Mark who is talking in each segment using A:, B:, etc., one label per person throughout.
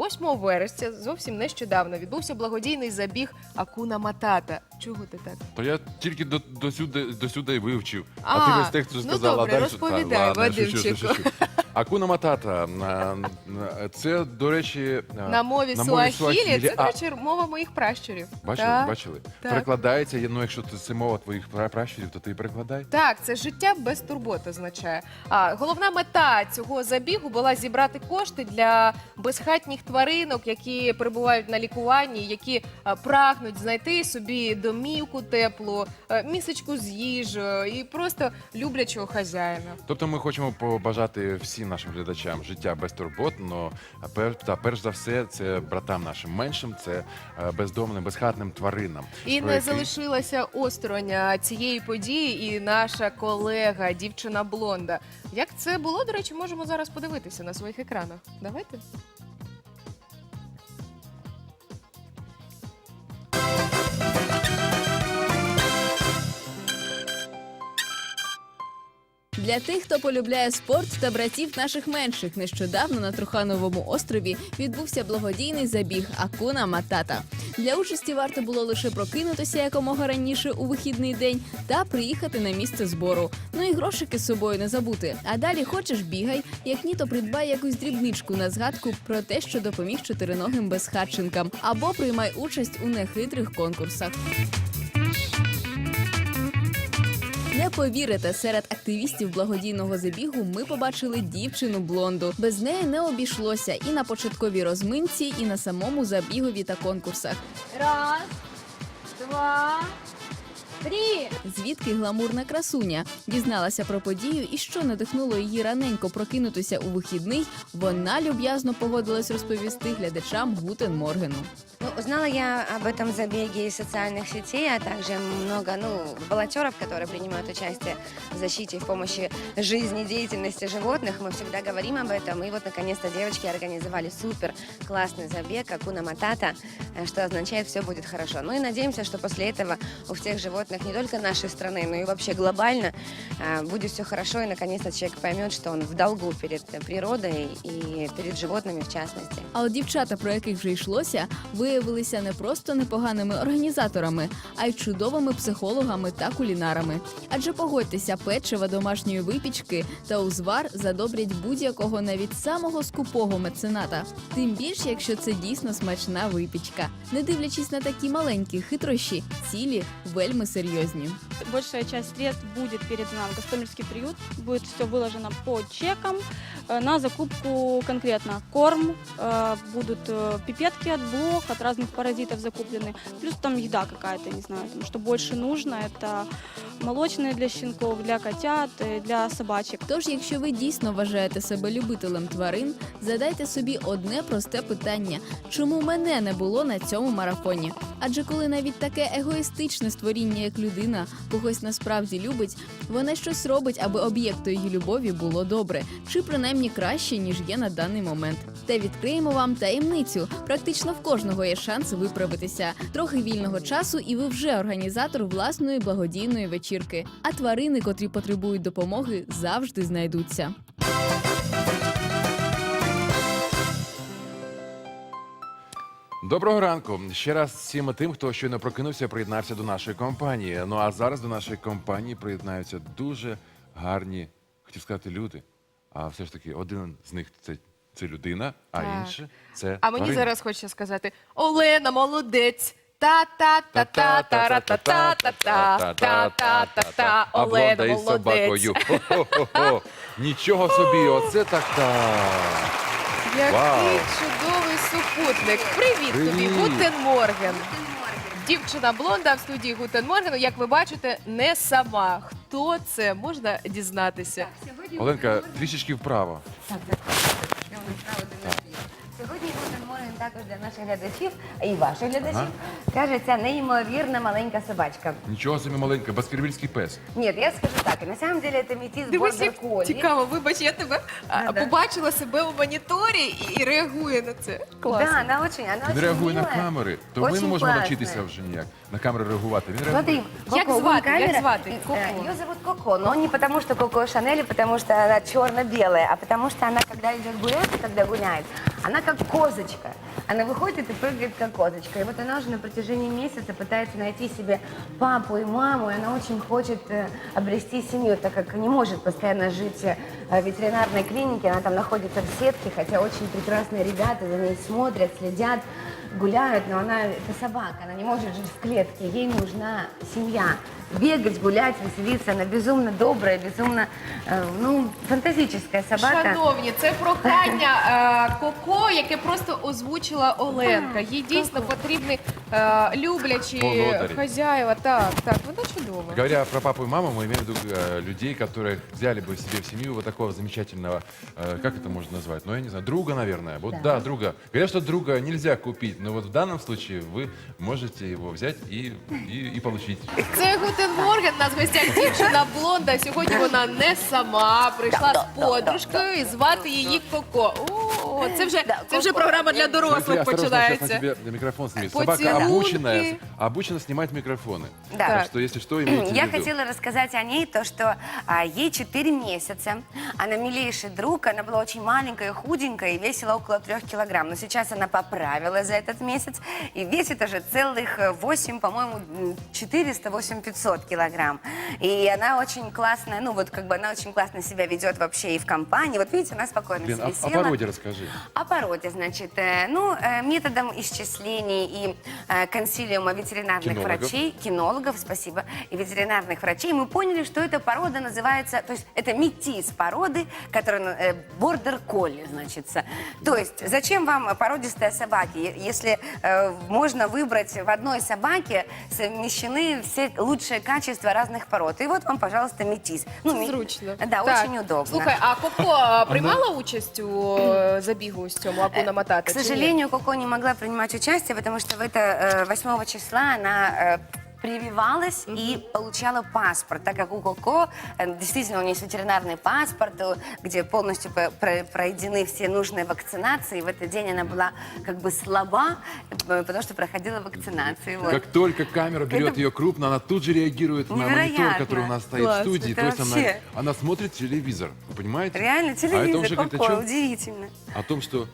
A: 8 вересня, зовсім нещодавно, відбувся благодійний забіг Акуна Матата. Чого ти так?
B: То я тільки до сюди вивчив. А ти весь текст сказала.
A: Добре, розповідай, Вадимчику.
B: Акуна Матата. Це, до речі,
A: На мові суахілі, це, до речі, мова моїх пращурів.
B: Бачили? Перекладається, ну якщо це мова твоїх пращурів, то ти і перекладай.
A: Так, це життя без турбот означає. Головна мета цього забігу була зібрати кошти для безхатніх тваринок, які перебувають на лікуванні, які прагнуть знайти собі домівку теплу, місочку з їжею і просто люблячого хазяїна.
B: Тобто ми хочемо побажати всім нашим глядачам життя без турбот, та перш за все це братам нашим меншим, це бездомним, безхатним тваринам.
A: І не залишилася осторонь цієї події і наша колега, дівчина Блонда. Як це було, до речі, можемо зараз подивитися на своїх екранах. Давайте.
C: Для тих, хто полюбляє спорт та братів наших менших, нещодавно на Трухановому острові відбувся благодійний забіг Акуна Матата. Для участі варто було лише прокинутися якомога раніше у вихідний день та приїхати на місце збору. Ну і грошики з собою не забути. А далі хочеш – бігай, як ні, то придбай якусь дрібничку на згадку про те, що допоміг чотириногим безхатченкам, або приймай участь у нехитрих конкурсах. Не повірите, серед активістів благодійного забігу ми побачили дівчину Блонду. Без неї не обійшлося і на початковій розминці, і на самому забігові та конкурсах.
D: Раз, два, три.
C: Звідки гламурна красуня? Дізналася про подію і що надихнуло її раненько прокинутися у вихідний, вона люб'язно погодилась розповісти глядачам Гутен Моргену.
D: Узнала я об этом забеге из социальных сетей, а также много волонтеров, которые принимают участие в защите и в помощи жизнедеятельности животных. Мы всегда говорим об этом. И вот, наконец-то, девочки организовали супер классный забег Акуна Матата, что означает «все будет хорошо». Ну и надеемся, что после этого у всех животных не только нашей страны, но и вообще глобально будет все хорошо. И, наконец-то, человек поймет, что он в долгу перед природой и перед животными в частности.
C: А от дівчата, про яких вже йшлося, виявилися не просто непоганими організаторами, а й чудовими психологами та кулінарами. Адже погодьтеся, печива, домашньої випічки та узвар задобрять будь-якого, навіть самого скупого мецената. Тим більше, якщо це дійсно смачна випічка. Не дивлячись на такі маленькі хитрощі, цілі вельми серйозні.
E: Большая часть средств будет передана в Гостомельский приют, будет все выложено по чекам на закупку конкретно корм, будут пипетки от блох, от разных паразитов закуплены, плюс там еда какая-то, не знаю, там, что больше нужно, это молочные для щенков, для котят, для собачек.
C: Тож, якщо ви дійсно вважаєте себе любителем тварин, задайте собі одне просте питання – чому мене не було на цьому марафоні? Адже коли навіть таке егоїстичне створіння, як людина, когось насправді любить, вона щось робить, аби об'єкту її любові було добре, чи принаймні краще, ніж є на даний момент. Та відкриємо вам таємницю. Практично в кожного є шанс виправитися. Трохи вільного часу і ви вже організатор власної благодійної вечірки. А тварини, котрі потребують допомоги, завжди знайдуться.
B: Доброго ранку. Ще раз всім тим, хто щойно прокинувся, приєднався до нашої компанії. Ну а зараз до нашої компанії приєднаються дуже гарні, хотів сказати, люди. А все ж таки, один з них це людина, а інше це
A: А мені
B: тварина.
A: зараз хочеться сказати: Олена, молодець! Та-та-та-та-та-та-та-та-та-та-та-та.
B: А
A: Олена,
B: Блонда із
A: молодець!
B: собакою. Хо-хо-хо-хо. Нічого собі, оце так-так. Вау.
A: Який чудовий супутник. Привіт тобі,
B: Привіт.
A: Гутен Морген. Дівчина Блонда в студії Гутен Моргену, як ви бачите, не сама. Хто це, можна дізнатися.
B: Оленка, трішечки вправо.
D: Сьогодні Гутен Морген також для наших глядачів і ваших глядачів кажеться неймовірна маленька собачка.
B: Нічого собі маленька, баскервільський пес.
D: Ні, я скажу так, на самом деле це метис
A: Дивись, як
D: бордер-колі.
A: цікаво, вибач, я тебе побачила себе у моніторі і реагує на це. Класно.
D: Да, она очень
B: Він реагує на
D: милая.
B: камери, то ми не
D: Очень
B: можемо
D: классная.
B: навчитися вже ніяк на камери реагувати. Він
D: Смотри,
B: реагує.
A: Як
D: Коко,
A: звати?
D: вон камера.
A: Як звати? Коко.
D: Ее зовут Коко, но не потому, что Коко Шанель, потому что она черно-белая, а потому что она, когда идет гулять, когда гуляет, Она как козочка. Она выходит и прыгает как козочка. И вот она уже на протяжении месяца пытается найти себе папу и маму, и она очень хочет обрести семью, так как не может постоянно жить в ветеринарной клинике. Она там находится в сетке, хотя очень прекрасные ребята за ней смотрят, следят, гуляют, но она это собака, она не может жить в клетке, ей нужна семья. Бегать, гулять, веселиться, она безумно добрая, безумно, фантастическая собака.
A: Шановні, це прохання Коко, яке просто озвучила Оленка. Їй дійсно потрібні люблячі
B: Володарі.
A: хазяїва. Так, вона чудова.
B: Говоря про папу и маму, мы имеем в виду людей, которых взяли бы себе в семью вот такого замечательного, как это можно назвать? Ну, я не знаю, друга, наверное. Вот да, друга. Говорят, что друга нельзя купить, но вот в данном случае вы можете его взять и получить.
A: Це Гутен Морген, у нас в гостях дівчина блонда. Сьогодні вона не сама, прийшла з подружкою і звати її Коко. О, це вже програма для
B: Смотри,
A: дорослих
B: осторожно, сейчас
A: починається.
B: на тебе микрофон снимет.
A: Поцелуйки.
B: Собака обучена снимать микрофоны.
D: Да.
B: Так что, если что, имейте в
D: Я
B: виду.
D: хотела рассказать о ней то, что ей 4 месяца. Она милейший друг, она была очень маленькая, худенькая и весила около 3 килограмм. Но сейчас она поправилась за этот месяц и весит уже целых 8, по-моему, 400, 8500 килограмм. И она очень классная, она очень классно себя ведет вообще и в компании. Вот видите, она спокойно
B: Лен,
D: себе
B: о
D: села.
B: породе расскажи.
D: О породе, значит, методом исчислений и консилиума ветеринарных
B: Кинологов.
D: врачей, кинологов, спасибо, и ветеринарных врачей, мы поняли, что эта порода называется, то есть это метис породы, которая бордер колли, значится. То есть зачем вам породистые собаки, если можно выбрать в одной собаке совмещены все лучшие качества разных пород. И вот вам, пожалуйста, метис.
A: Зручно.
D: Да,
A: Так.
D: очень удобно.
A: Слухай, а Коко приймала участь у забігу з цьому Акуна Матата?
D: К
A: чи ні?
D: сожалению, Коко не могла принимать участие, потому что в это 8 числа она прививалась и получала паспорт, так как у Коко действительно у нее есть ветеринарный паспорт, где полностью пройдены все нужные вакцинации. И в этот день она была как бы слаба, потому что проходила вакцинации. Вот.
B: Как только камера берет
D: Это
B: ее крупно, она тут же реагирует на
D: невероятно.
B: монитор, который у нас стоит
D: Класс,
B: в студии.
D: это
B: То есть
D: вообще.
B: она смотрит телевизор, вы понимаете?
D: Реально,
B: А это
D: телевизор,
B: уже говорит о
D: Коко,
B: чем?
D: удивительно.
B: О том, что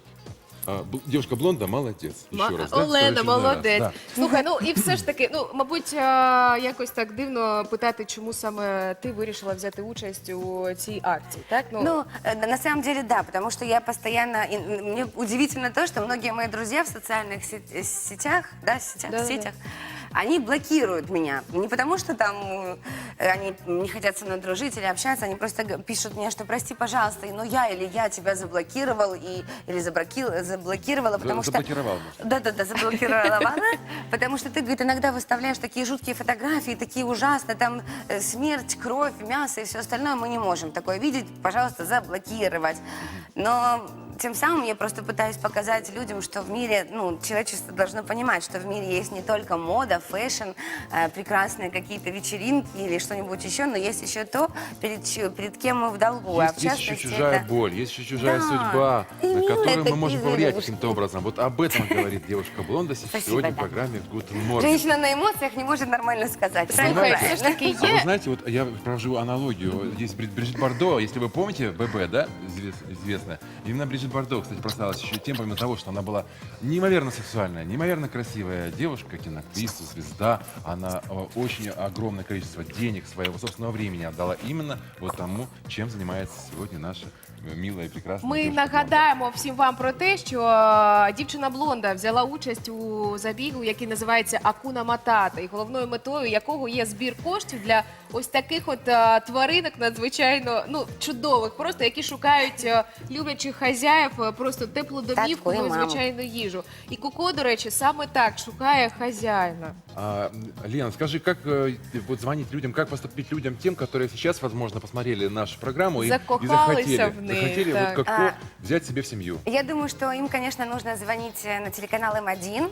B: девушка блонда молодец. Еще раз, да?
A: Олена,
B: Второй очередной раз,
A: молодець.
B: да.
A: Слухай, і все ж таки, мабуть, якось так дивно питати, чому саме ти вирішила взяти участь у цій акції, так?
D: На самом деле, да, потому что я постоянно... Мне удивительно то, что многие мои друзья в социальных сетях, сетях, они блокируют меня. Не потому, что там они не хотят со мной дружить или общаться, они просто пишут мне, что прости, пожалуйста, но я тебя заблокировал или заблокировала, потому что...
B: Заблокировал, может.
D: Да, заблокировала, потому что ты, говорит, иногда выставляешь такие жуткие фотографии, такие ужасные, там смерть, кровь, мясо и все остальное, мы не можем такое видеть, пожалуйста, заблокировать. Но тем самым я просто пытаюсь показать людям, что в мире, человечество должно понимать, что в мире есть не только мода, фэшн, прекрасные какие-то вечеринки или что-нибудь еще, но есть еще то, перед кем мы в долгу.
B: Есть еще чужая боль, есть еще чужая судьба, на
D: именно
B: которую мы
D: такие
B: можем повлиять
D: зверушки.
B: каким-то образом. Вот об этом говорит девушка блонда
D: Спасибо,
B: сегодня в
D: да.
B: программе Guten Morgen.
D: Женщина на эмоциях не может нормально сказать.
A: Слухай,
D: Правильно?
A: все ж таки
B: А вы
A: є.
B: знаете, вот я провожу аналогию. Есть Бриджит Бардо, если вы помните, ББ, да, известная. Именно Бриджит Бардо, кстати, прославилась еще и тем, помимо того, что она была неимоверно сексуальная, неимоверно красивая девушка, киноактриса, звезда. Она очень огромное количество денег, своего собственного времени отдала именно вот тому, чем занимается сегодня наша милая и прекрасная
A: Ми
B: девушка Блонда.
A: нагадаємо всім вам про те, що дівчина блонда взяла участь у забігу, який називається Акуна Матата, і головною метою якого є збір коштів для ось таких от тваринок надзвичайно чудових, просто які шукають люблячих хазяїв, просто теплу домівку,
D: Татку і маму.
A: звичайну їжу. І Коко, до речі, саме так шукає хазяїна.
B: Лена, скажи, как вот звонить людям, как поступить людям тем, которые сейчас, возможно, посмотрели нашу программу и
A: Закохались
B: захотели,
A: в них,
B: захотели
A: так.
B: вот как взять себе в семью?
D: Я думаю, что им, конечно, нужно звонить на телеканал М1.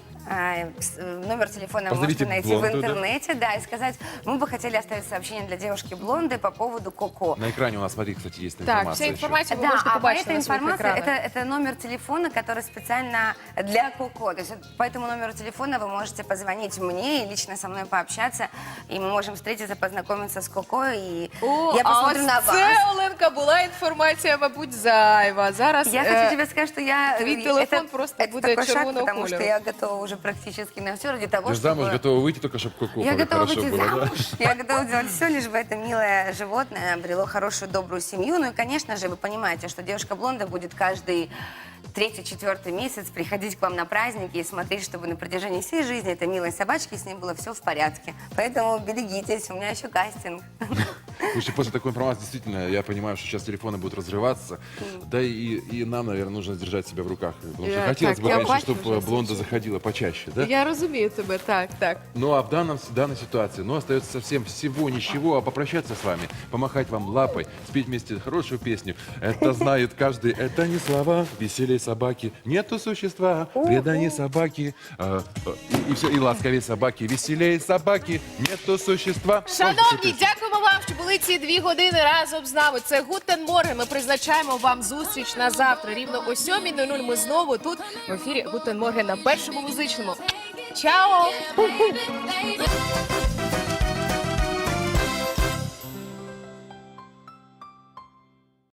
D: Номер телефона вы
B: Позовите
D: можете найти
B: блонду,
D: в
B: да?
D: интернете, да, и сказать, мы бы хотели оставить сообщение для девушки блонды по поводу Коко.
B: На экране у нас, смотри, кстати, есть
A: Так,
B: информация
A: вся
B: еще.
A: інформація ви
D: Да,
A: можете
D: а по
A: побачити
D: этой
A: на своїх
D: информации,
A: екранах.
D: это номер телефона, который специально для Коко. То есть по этому номеру телефона вы можете позвонить мне и лично со мной пообщаться, и мы можем встретиться, познакомиться. познакомиться с Коко, и
A: О,
D: я посмотрю
A: а
D: на
A: ось
D: вас.
A: це, Оленка, була інформація, мабуть, зайва. Зараз
D: Я хочу тебе сказать, что я...
A: твій телефон просто
D: это
A: буде
D: такой шаг,
A: червоного
D: потому что
A: кольору.
D: я готова уже практически на все ради того,
B: Ты же замуж
D: чтобы...
B: готова выйти, только чтобы Коко
D: Я готова
B: хорошо
D: выйти
B: было, да?
D: замуж, я готова делать все, лишь бы это милое животное обрело хорошую, добрую семью. Ну и, конечно же, вы понимаете, что девушка-блонда будет каждый 3-4 месяц приходить к вам на праздники и смотреть, чтобы на протяжении всей жизни этой милой собачки с ней было все в порядке. Поэтому берегитесь, у меня еще кастинг.
B: Потому что после такой информации действительно я понимаю, что сейчас телефоны будут разрываться. Да и нам, наверное, нужно держать себя в руках. Потому что
A: Я-
B: хотелось
A: так,
B: бы,
A: я
B: конечно,
A: бачу
B: чтобы
A: уже
B: блонда заходила почаще, да?
A: Я розумію тебе, так, так.
B: Ну а в данной ситуации, остается совсем всего ничего, а попрощаться с вами, помахать вам лапой, спеть вместе хорошую песню. Это знает каждый, это не слова, веселей собаки, нету существа, преданней собаки, и все, и ласковей собаки, веселей собаки, нету существа.
A: Шановні, дякуємо вам, що були ці 2 години разом з нами. Це Гутен Морген. Ми призначаємо вам зустріч на завтра. Рівно о 7:00 ми знову тут в ефірі Гутен Морген на першому музичному. Чао!
F: Baby,